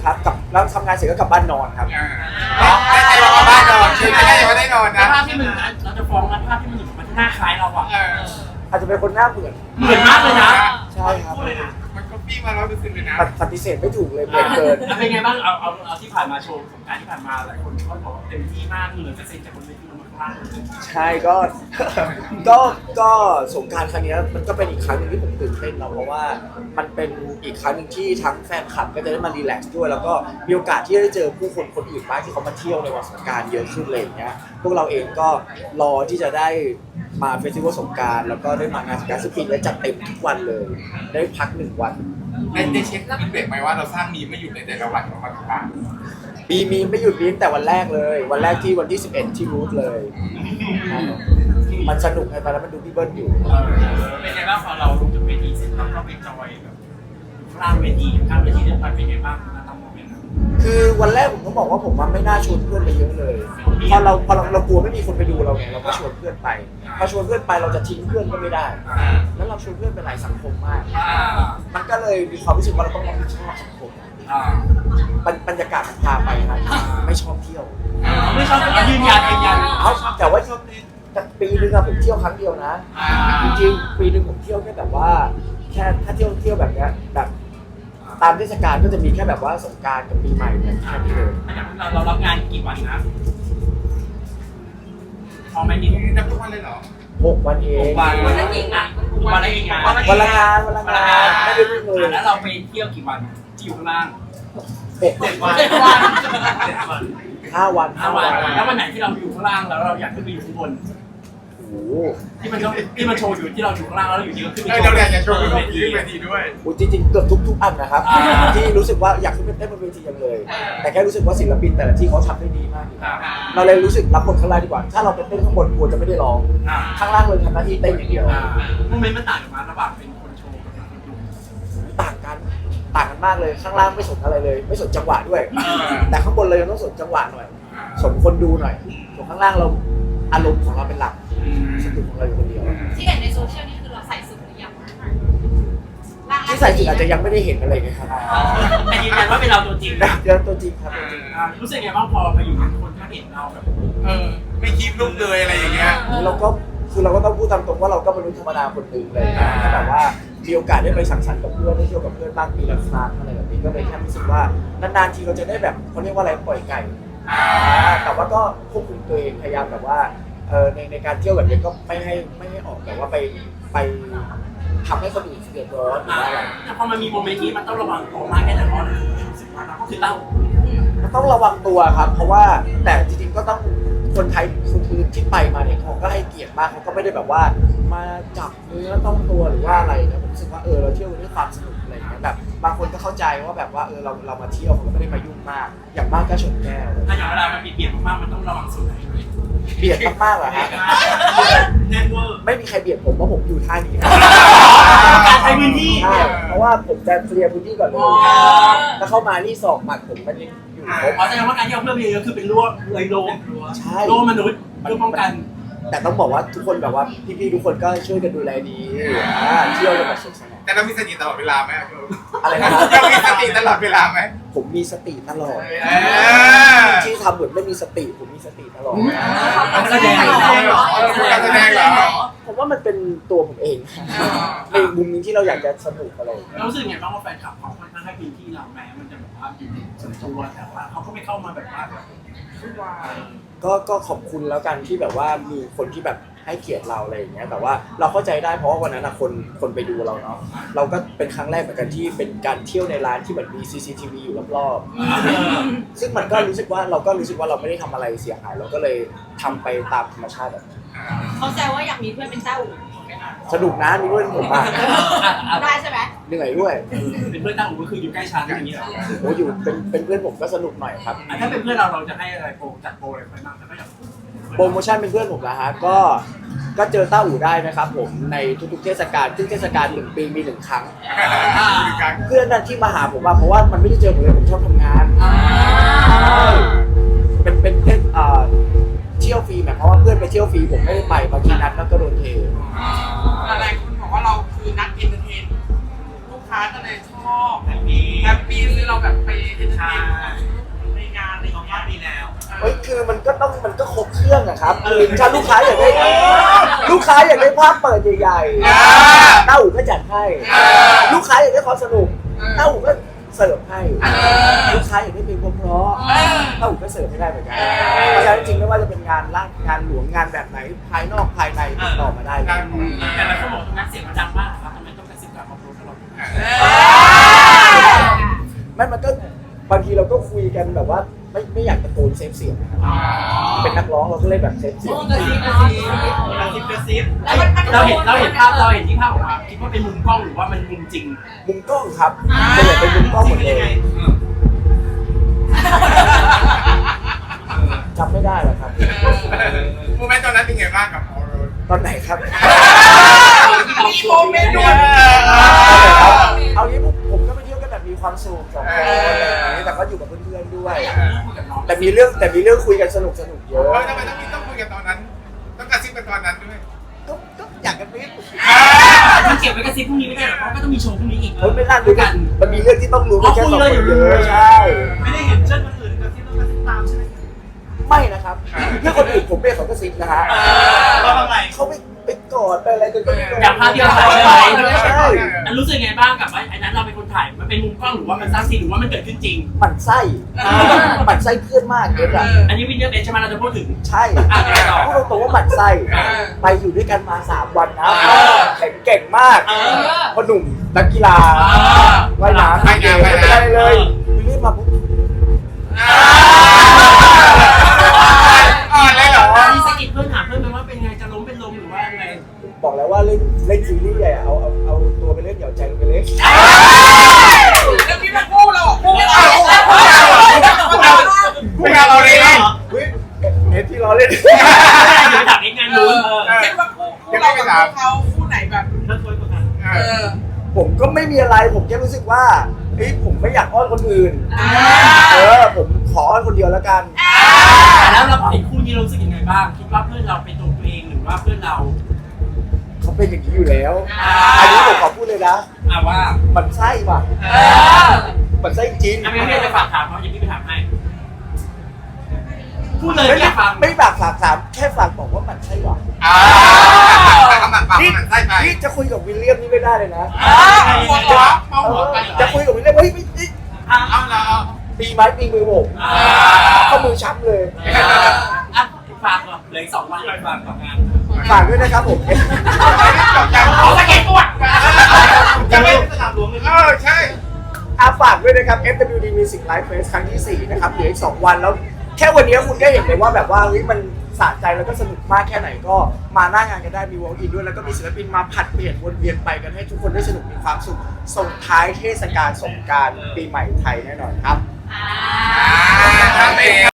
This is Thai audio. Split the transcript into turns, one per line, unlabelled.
ครับกับแล้วทำงานเสร็จก็กลับบ้านนอนครับ
ไม่ใช่ว่ากลับบ้านนอนคือไม่ได้ว่าได้นอนนะ
ภาพที่มันเราจะฟ้องนะภาพที่มันมันหน้าคล้ายเราอ่ะ
อาจจะเป็นคนหน้าเหมือน
เหมือนมากเลยนะ
ใช่ครับ
มันก็ปี้มา100%เลยนะ
ปฏิเสธไม่ถูกเลยเหมือนเกิน
เป็นไงบ้างเอาที่ผ่านมาโชว์สงการที่ผ่านมาหลายคนเขาบอกเต็มที่มากเลยก็เซ็นจากบนเวทีลงมาข้างล่าง
ใช่ก็ ก็สงกรานต์ครั้งนี้มันก็เป็นอีกครั้งหนึงที่ผมตื่นเต้นเนาะเพราะว่ามันเป็นอีกครั้งหนึ่งที่ทั้งแฟนคลับก็จะได้มารีแลกซ์ด้วยแล้วก็มีโอกาสที่ได้เจอผู้คนคนอื่นมากที่เขามาเที่ยวในวันสงกรานต์เยอะขึ้นเลยอย่างเงี้ยพวกเราเองก็รอที่จะได้มาเฟสติวัลสงกรานต์แล้วก็ได้มางานสงกรานต์ซึ่งปีนี้จัดเต็มทุกวันเลย ได้พัก1 วัน
ได้เช็คฟีดแบ็กไหมว่าเราสร้างมีไม่หยุดในแต่ละวันของมันบ้าง
มีไม่หยุดมีตั้งแต่วันแรกเลยวันแรกที่วันที่11ที่รูทเลยมันสนุกไงตอนนั้นมันดูพี่เบิ้ลอยู่
เป็นไงบ้างพอเราลงจากเวทีเสร็จแล้วก็ไปจอยแบบข้างเวทีข้างเวทีเดินไปเป็นไงบ้างนะตอนโมเมนต์นั้น
คือวันแรกผมก็บอกว่าผมไม่น่าชวนเพื่อนไปเยอะเลยพอเรากลัวไม่มีคนไปดูเราไงเราก็ชวนเพื่อนไปพอชวนเพื่อนไปเราจะทิ้งเพื่อนก็ไม่ได้ แล้วเราชวนเพื่อนไปหลายสังคมมาก มันก็เลยมีความรู้สึกว่าเราต้องรับผิดชอบสังคมบรรยากาศมันพาไปครับไม่ชอบเที่ยว
ไม่ชอบยืนยัน
แต่ว่าปีนึงอะผมเที่ยวครั้งเดียวนะจริงๆปีนึงผมเที่ยวแค่แบบว่าแค่ถ้าเที่ยวแบบเนี้ยแบบตามเทศกาลก็จะมีแค่แบบว่าสงกรานต์กับปีใหม่เนี่ยแค่นี้เลย
เรารับงานกี่วันนะพอไหมนี่
นับทุกวันเลยเหรอ
6 วันเอง
วันละกี่งานวันละกี่งาน
วันละงานไม่ได้เพิ่งเลย
แล้วเราไปเที่ยวกี่วันที่อยู่ข้างล่าง
7 วัน 5 วัน
5 วันแล้ววันไหนที่เราอยู่ข้างล่างแล้วเราอยากขึ้นไปอยู่ข้างบน
โอ้โห
ที่มันโชว์อยู่ที่เราอยู่ข้างล่างแล้วเราอยู่ดีก็ขึ้นไป
เราอยากจะโชว์ขึ้นเวทีด้วย
จริงๆเกือบทุกอันนะครับที่รู้สึกว่าอยากขึ้นไปเต้นบนเวทียังเลย แต่แค่รู้สึกว่าศิลปินแต่ละที่เขาทำได้ดีมากเราเลยรู้สึกรับบทข้างล่างดีกว่าถ้าเราไปเต้นข้างบนกลัวจะไม่ได้ร้องข้างล่างเลยทำหน้าที่เต้นอย่างเดียว
โมเมนต์มันต่างกันมาระหว่างเป็นคนโชว์กับเป็นคนดู
ต่างกันมากเลยข้างล่างไม่สนอะไรเลย ไม่สนจังหวะด้วย แต่ข้างบนเลยต้องสนจังหวะหน่อยสนคนดูหน่อยส่วนข้างล่างเราอารมณ์ของเราเป็นหลักสนุกของเราอยู่คนเดียว
ที่เห็นในโซเชียลนี่คือเราใส่สุดหรือยัง
ที่ใส่สุดอาจจะยังไม่ได้เห็นอะไรไงครับ
แต่ยืนยันว่าเป็นเราตัวจริงนะ
เดี๋ยวตัวจริงครับ
รู้สึกไงบ้างพอไปอยู่กับคนเขาเห็นเราแบบ
ไม่คีบลูกเลยอะไรอย่างเงี้ย
เราก็ต้องพูดตามตรงว่าเราก็เป็นมนุษย์ธรรมดาคนหนึ่งเลยนะแบบว่ามีโอกาสได้ไปสังสรรค์กับเพื่อนได้เที่ยวกับเพื่อนบ้างปีละครั้งอะไรแบบนี้ก็เลยแค่รู้สึกว่านานๆทีเราจะได้แบบเขาเรียกว่าอะไรปล่อยไก่แต่ว่าก็ควบคุมตัวเองพยายามแบบว่าในการเที่ยวแบบนี้ก็ไม่ให้ออกแบบว่าไปทำให้คนอื่นเดือดร้อนหรือว่าอะไร
แต่พอมันมีโมเมนต์นี้มันต้องระวังตัวมากแค่ไหนเพราะรู้สึกว่าเราก็คือเต้า
มันต้องระวังตัวครับเพราะว่าแต่จริงๆก็ต้องคนไทยคนอื่นที่ไปมาเนี่ยเขาก็ให้เกียรติมากเขาก็ไม่ได้แบบว่ามาจับเนื้อต้องตัวหรือว่าอะไรนะผมรู้สึกว่าเราเที่ยวด้วยความสนุกอะไรอย่างเงี้ยแบบบางคนก็เข้าใจว่าแบบว่าเรามาเที่ยวเขาก็ไม่ได้มายุ่งมากอย่างมากก็ชนแก้ว
ถ้าอย่างเวลามันเบียดมากๆมันต้องระวังส่วนไหนด้วย
เบียดมากๆเหรอฮะ
แน่นเวอร์
ไม่มีใครเบียดผมเพราะผมอยู่ท่านี้ครับ
การใช้พื้นที่
ใช่เพราะว่าผมจะเคลียร์พื้นที่ก่อนเลยแล้วเข้ามานี่ศอกหมัดผมมันยังอยู่ครบ
แสดงว่าการที่เอาเพื่อนไปเยอะคือเป็นรั้วเลยโล
ใช่
โลมนุษย์เพื่อป้องกัน
แต่ต้องบอกว่าทุกคนแบบว่าพี่ๆทุกคนก็ช่วยกันดูแลดีเที่ยวกันแบบสนุกสนาน
แต่เรามีสติตลอดเวลาไหม
อะไรนะครับ
เรามีสติตลอดเวลาไหม
ผมมีสติตลอดที่ทำเหมือนไม่มีสติผมมีสติตลอด
การแสดง
การแสดงเหรอ
ผมว่ามันเป็นตัวผมเองในมุมนึงที่เราอยากจะสนุกอะไร
เรารู้สึกไงบ้างว่าแฟนคลับเขาค่อนข้างให้พื้นที่เราแม้มันจะแบบว่าอยู่ในส่วนตัวแต่ว่าเขาก็ไม่เข้ามาแบบว่า
ก็ขอบคุณแล้วกันที่แบบว่ามีคนที่แบบให้เกียรติเราอะไรอย่างเงี้ยแต่ว่าเราเข้าใจได้เพราะว่าวันนั้นคนไปดูเราเนาะเราก็เป็นครั้งแรกเหมือนกันที่เป็นการเที่ยวในร้านที่เหมือนมี CCTV อยู่รอบๆซึ่งมันก็รู้สึกว่าเราไม่ได้ทำอะไรเสียหายเราก็เลยทำไปตามธรรมชาติแบบ
เขาแซวว่าอยากมีเพื่อนเป็นเต้าอู่
สนุกนะมีด้วยผมอ่ะ
ได้ใช่ไหม
เหนื่อยด้วย
เป็นเพื่อนตั้งหูก็คืออยู่ใกล้ชั้นอย่างนี้เหรอ
โอ้อยู่เป็นเพื่อนผมก็สนุกหน่อยครับ
ถ้าเป็นเพื่อนเราจะให้อะไรโปรจัดโปรอะไรไปบ้างถ้าไม่อยาก
โปรโมชั่นเป็นเพื่อนผมนะฮะก็เจอต้าอู่ได้นะครับผมในทุกๆเทศกาลซึ่งเทศกาล1 ปีมี1 ครั้งเพื่อนนั้นที่มาหาผมว่าเพราะว่ามันไม่ได้เจอผมเลยผมชอบทำงานเป็นเที่ยวฟรีหมายความว่าเพื่อนไปเที่ยวฟรีผมไม่ได้ไปบางทีนัดแล้วก็โดนเท
หลายคนบอกว่าเราคือนักเอนเตอร์เทนลูกค้าก็เลยชอบแฮปปี้คือเราแบบไปเอนเตอร์เท
ในงานในของงานดีแล้ว
เฮ้ยคือมันก็ครบเครื่องอะครับคือถ้าลูกค้าอยากได้ภาพเปิดใหญ่ๆเต้าหูก็จัดให้ลูกค้าอยากได้ความสนุกเต้าหูก็เสิร์ฟให้ลูกค้าอยากได้เพลงเพราะๆเต้าหูก็เสิร์ฟให้ได้เหมือนกันเพราะฉะนั้นจริงๆไม่ว่าจะเป็นงานงานหลวงงานแบบไหนภายนอกภายในติดต่อมาได้เลย
แต่เราก็บอกตรงนั้นเสียงมันดังมากครับทำไมต้องกระซิบกับครอบครัวตลอด
มันก็บางทีเราก็คุยกันแบบว่าไม่อยากตะโกนเซฟเสียงนะครับเป็นนักร้องเราก็เล่นแบบเซฟเสียง
กระซิบเราเห็นภาพที่ภาพออกมาคิดว่าเป็นมุมกล้องหรือว่ามันมุมจริง
มุมกล้องครับเป็นแบบเป็นมุมกล้องหมดเลยจำไม่ได้หรอกครับ
โมเมนต์ตอนนั้นเป็นไงบ้างกับออโรส
ตอนไหนครับ
มีโมเมนต์ด้วย
เอางี้ผมก็ไปเที่ยวกันแบบมีความสุขสองคนอะไรอย่างนี้แต่ก็อยู่กับเพื่อนๆด้วย แต่มีเรื่องคุยกันสนุกเยอะ
ทำไมต้องคุยกันตอนนั้น ต้องกระซิบกันตอนนั้นด้วย
ก็อยากกันนิด
มันเก็บไว้กระซิบพรุ่งนี้ไม่ได้หรอกเพราะก็ต้องมีโชว์พรุ่งนี้อีก
คนไม่น่ารู้กันมันมีเรื่องที่ต้องรู้กันแค่สองคนเยอะใช่
ไม่ได้เห็นเชิญคนอื่นกระซิบต้องกระซิบตามใช่ไหม
ไม่นะครับเรื่องคนอื่นผมเป็นเขาก็ซิบนะฮะ
เราทำไม
เขาไปกอดไปอะไรกันก็ไม่รู้
อย่างภาพที่เราถ่ายไว้
ใช่
อันรู้สึกไงบ้างกับว่าไอ้นั้นเราเป็นคนถ่ายมันเป็นมุมกล้องหรือว่ามันสร้างซีนหรือว่ามันเกิดขึ้นจริง
หมั่นไส้เพื่อนมากเด็ดอ่ะ
อันนี้วินเนอร์เอใช่ไหมเราจะพูดถึง
ใช่พูดตรงๆว่าหมั่นไส้ไปอยู่ด้วยกันมา3 วันนะแข็งเก่งมากพอหนุ่มนักกีฬาว่ายน้ำไม่ได้เลยวิลลี่มาปุ๊บ
อ่อนเลยเหรอ
มีสกิดเพื่อนถามเพื่อนไหมว่าเป็นไงจะล้มเป็นลมหรือว่าไง
บอกแล้วว่าเล่นซีรีส์ใหญ่เอาตัวไปเล่นเหยาใจลงไปเล่น
แล้วพี่มาคู่เราคู่เรา
ไม่เอาเราเลย
เฮ้ยเน็ตที่ล้อเล่น
เดี๋ยวดับเองงานนู้น
คิดว่าคู่เรากับเขาคู่ไหนแบบ
เลิกคุยกัน
ผมก็ไม่มีอะไรผมแค่รู้สึกว่าเฮ้ยผมไม่อยากอ้อนคนอื่นผมขออ้อนคนเดียวแล้วกัน
แล้วเราเห็นคู่นี้เรารู้สึกยังไงบ้างคิดว่าเพื่อนเราเป็นตัวเองหรือว่าเพื่อนเรา
เขาเป็นอย่างนี้อยู่แล้วอันนี้ผมขอพูดเลยนะ
ว่า
มันไส้ว่ะมันไส้จริง
ไม่ได้ฝากถามเขาอย่างที่ไปถามให้พูดเลย
ไม่
ไม่ฟัง
ไม่ฝากถามแค่ฝากบอกว่ามันไส้ว่ะ
คำหนักปากมันใส่ไป
นี่จะคุยกับวิลเลียมนี่ไม่ได้เลยนะ
หัวหัวเมาหัวไป
จะคุยกับวิลเลียมเฮ้ยไม่
เอาเรา
ตีไม้ตีมือผมเข้ามือช้ำเลย
ฝากก่อนเหลืออีก2 วันฝากต่องาน
ฝากด้วยนะครับผม
เอาสเก็ตตัวจะไม่สนามหลวงเลย
ใช่
ฝากด้วยนะครับ FWD Music Live Fest ครั้งที่ 4 นะครับเหลืออีก 2 วันแล้วแค่วันนี้คุณก็เห็นเลยว่าแบบว่าเฮ้ยมันสะใจแล้วก็สนุกมากแค่ไหนก็มาหน้างานกันได้มีวอล์กอินด้วยแล้วก็มีศิลปินมาผัดเปลี่ยนวนเวียนไปกันให้ทุกคนได้สนุกมีความสุขส่งท้ายเทศกาลสงกรานต์ปีใหม่ไทยแน่นอนครับ
ครับ